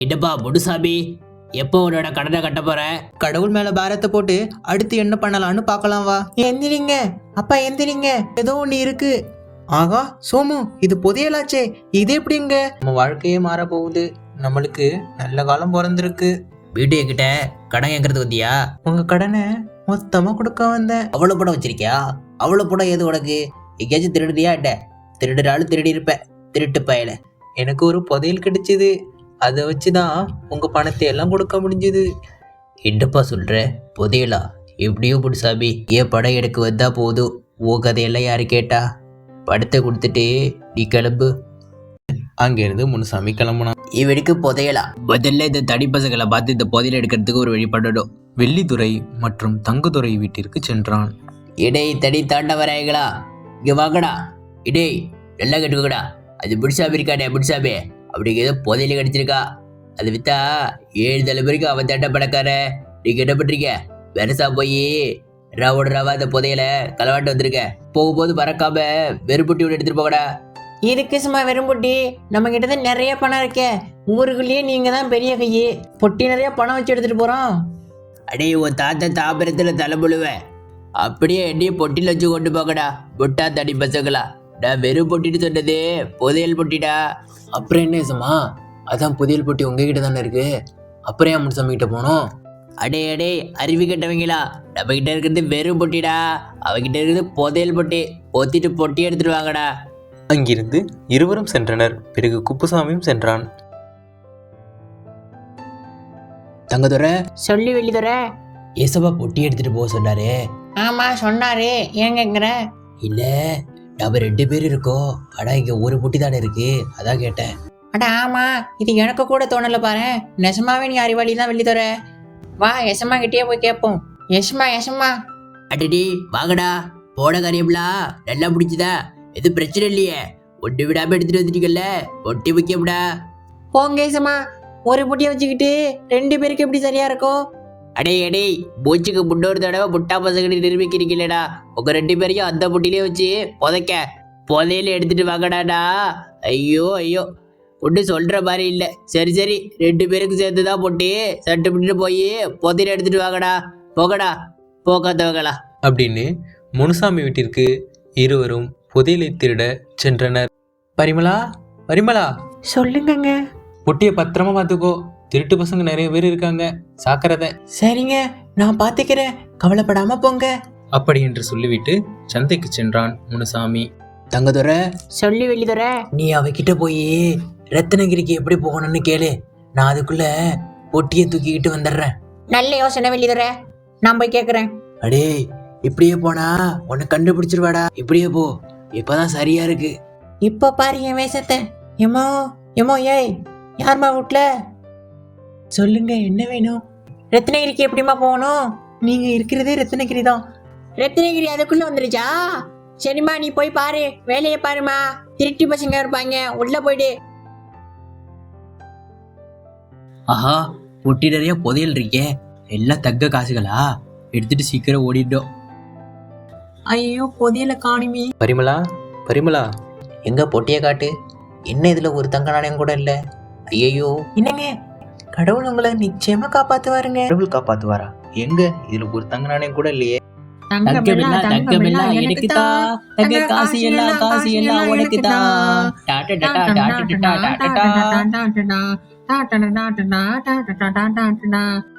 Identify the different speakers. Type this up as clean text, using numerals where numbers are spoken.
Speaker 1: இடப்பா முடுசாமி, எப்போ உன்னோட கடனை கட்ட போற?
Speaker 2: கடவுள் மேல பாரத்தை போட்டு அடுத்து என்ன பண்ணலாம்னு பார்க்கலாம் வா. எந்திரிங்க அப்பா எந்திரிங்க, ஏதோ ஒண்ணு இருக்கு. ஆகா சோமு, இது புதையலாச்சே, இது எப்படிங்க? நம்ம வாழ்க்கையே மாற போகுது, நம்மளுக்கு நல்ல காலம் பிறந்திருக்கு.
Speaker 1: வீட்டு என்கிட்ட கடன் கேட்கறது வந்தியா?
Speaker 2: உங்க கடனை மொத்தமா கொடுக்க வந்தேன்.
Speaker 1: அவ்வளவு படம் வச்சிருக்கியா? அவ்வளவு படம் ஏது உனக்கு? எங்கேயாச்சும் திருடுறியா? என்ன திருடுறாலும் திருடி இருப்ப, திருட்டு பயல.
Speaker 2: எனக்கு ஒரு புதையல் கிடைச்சது, அதை வச்சுதான் உங்க பணத்தை எல்லாம் கொடுக்க முடிஞ்சது.
Speaker 1: என்னப்பா சொல்ற? புதையலா? எப்படியோ முடுசாமி, ஏன் படம் எடுக்க வந்தா போதும், உன் கதையெல்லாம் யாரு கேட்டா? படத்தை கொடுத்துட்டு நீ கிளம்பு.
Speaker 2: அங்கிருந்து முனுசாமி கிளம்புனான்.
Speaker 1: இவனுக்கு புதையலா? முதல்ல இந்த தனி பசங்களை பார்த்து இந்த புதையல் எடுக்கிறதுக்கு ஒரு வழி பண்ணணும்.
Speaker 2: வெள்ளித்துறை மற்றும் தங்குதுறை வீட்டிற்கு சென்றான்.
Speaker 1: இடை தனி தாண்ட வராங்களா? இங்க வாங்கடா. இடே நல்லா கேட்டுக்கோடா. அது முடுசாமி இருக்கானே, முடுசாமி அப்படிங்க ஏதோ புதையல கிடைச்சிருக்கா. அது வித்தா 7 தலைமுறைக்கு அவன் தண்ட பணக்கார. நீங்க என்ன பண்றீங்க? வெரசா போய் ராவோட ராவா அந்த புதையல களவாண்டு வந்திருக்க. போகும்போது மறக்காம வெறும்புட்டி ஒன்று எடுத்துட்டு போகடா.
Speaker 3: இதுக்கு சும்மா வெறும்பொட்டி, நம்ம கிட்ட நிறைய பணம் இருக்கே, ஊருக்குள்ளேயே நீங்க தான் பெரிய கையே. பொட்டி நிறைய பணம் வச்சு எடுத்துட்டு போறோம்.
Speaker 1: அடே உன் தாத்தா தாபரத்துல தலைமுழுவேன், அப்படியே என்னையும் பொட்டியில் வச்சு கொண்டு போகடா. பொட்டா தடி பசங்களா, நான் வெறும் பொட்டிட்டு சொன்னது புதையல் பொட்டிடா.
Speaker 2: அப்புறம் என்ன ஏசமா, அதான் புதையல் பொட்டி உங்ககிட்ட தானே இருக்கு, அப்புறம் ஏன் முனுசாமி கிட்ட போனோம்?
Speaker 1: அடே அடே அறிவு கட்டவங்களா, நம்ம கிட்ட இருக்கிறது வெறும் பொட்டிடா, அவகிட்ட இருக்கிறது புதையல் பொட்டி. பொத்திட்டு பொட்டி எடுத்துட்டு வாங்கடா.
Speaker 2: அங்கிருந்து இருவரும் சென்றனர். பிறகு குப்புசாமியும் சென்றான்.
Speaker 1: தங்கதுரை,
Speaker 3: சொல்லி வெளிதுற.
Speaker 1: ஏசப்பா பொட்டி எடுத்துட்டு போக சொன்னாரு.
Speaker 3: ஆமா சொன்னாரு, ஏங்கிற?
Speaker 1: இல்ல, நம்ம 2 பேர் இருக்கோம், ஆனா இங்க ஒரு பொட்டி தானே இருக்கு, அதான் கேட்டேன்.
Speaker 3: அட ஆமா, இது எனக்கு கூட தோணல பாரு. நெசமாவே நீ அறிவாளி தான் வெளிதுற. வா எசமா கிட்டே போய் கேட்போம். எசமா எசமா.
Speaker 1: அடடி வாங்கடா. போன காரியம்லா நல்லா பிடிச்சதா? எதுவும் பிரச்சனை இல்லையே? ஒட்டு விடாம எடுத்துட்டு வந்துட்டீங்கல்ல, பொட்டி முக்கியம்டா.
Speaker 3: போங்க எசமா, ஒரு பொட்டியை வச்சுக்கிட்டு 2 பேருக்கு எப்படி சரியா இருக்கும்?
Speaker 1: அடே அடே, மூச்சுக்கு முன்னொரு தடவை முட்டா பசங்களை நிரூபிக்கிறீங்களேடா. உங்க 2 பேரையும் அந்த பொட்டிலே வச்சு புதைக்க புதையில எடுத்துட்டு வாங்கடாடா. ஐயோ ஐயோ, ஒன்றும் சொல்ற மாதிரி இல்லை. சரி சரி, 2 பேருக்கு சேர்த்துதான் பொட்டி, சட்டு பிடிட்டு போய் புதையில எடுத்துட்டு வாங்கடா. போகடா போகாதவங்களா
Speaker 2: அப்படின்னு முனுசாமி வீட்டிற்கு இருவரும் புதையலை திருட சென்றனர். பரிமளா, பரிமளா,
Speaker 3: சொல்லுங்கங்க.
Speaker 2: பொட்டியை பத்திரமா பார்த்துக்கோ, திருட்டு பசங்க நிறைய பேர் இருக்காங்க, சாக்கிறத.
Speaker 3: சரிங்க, நான் பாத்துக்கிறேன், கவலைப்படாம போங்க.
Speaker 2: அப்படி என்று சொல்லிவிட்டு சந்தைக்கு சென்றான் முனுசாமி.
Speaker 1: தங்கதுரை,
Speaker 3: சொல்லி வெளிதுற.
Speaker 1: நீ அவகிட்ட போய் ரத்னகிரிக்கு எப்படி போகணும்னு கேளு, நான் அதுக்குள்ள பொட்டியை தூக்கிக்கிட்டு வந்துடுறேன்.
Speaker 3: நல்ல யோசனை வெளிதுற, நான் போய் கேக்குறேன்.
Speaker 1: அடே இப்படியே போனா உன்னை கண்டுபிடிச்சிருவாடா. இப்படியே போ, இப்பதான் சரியா இருக்கு.
Speaker 3: இப்ப பாரு என் வேஷத்தை. எமோ எமோ, ஏய் யாருமா வீட்ல? சொல்லுங்க, என்ன வேணும்? ரத்னகிரிக்கு எப்படிமா போகணும்? நீங்க இருக்கிறதே ரத்னகிரி தான். ரத்னகிரி அதுக்குள்ள வந்துருச்சா? சரிம்மா, நீ போய் பாரு, வேலையை பாருமா. திருட்டி பசங்க இருப்பாங்க, உள்ள போயிடு.
Speaker 1: ஆஹா, பொட்டி நிறைய புதையல் இருக்கே, எல்லாம் தங்க காசுகளா? எடுத்துட்டு சீக்கிரம் ஓடிட்டோம்.
Speaker 3: ஐயோ, புதையல காணுமே.
Speaker 2: பரிமளா, பரிமளா,
Speaker 1: எங்க பொட்டியை காட்டு. என்ன இதுல ஒரு தங்க நாணயம் கூட இல்ல? ஐயோ,
Speaker 3: என்னங்க, கடவுள் உங்களை நிச்சயமா காப்பாத்துவாருங்க.
Speaker 2: கடவுள் காப்பாத்துவாரா? எங்க இதுல ஒரு தங்க நாணயம் கூட இல்லையே.
Speaker 1: தங்கமெல்லாம் எனக்கு தான், தங்க காசு எல்லாம் காசு எல்லாம் உனக்கு தான். டாடா டாடா டாடா டாடா டாடா.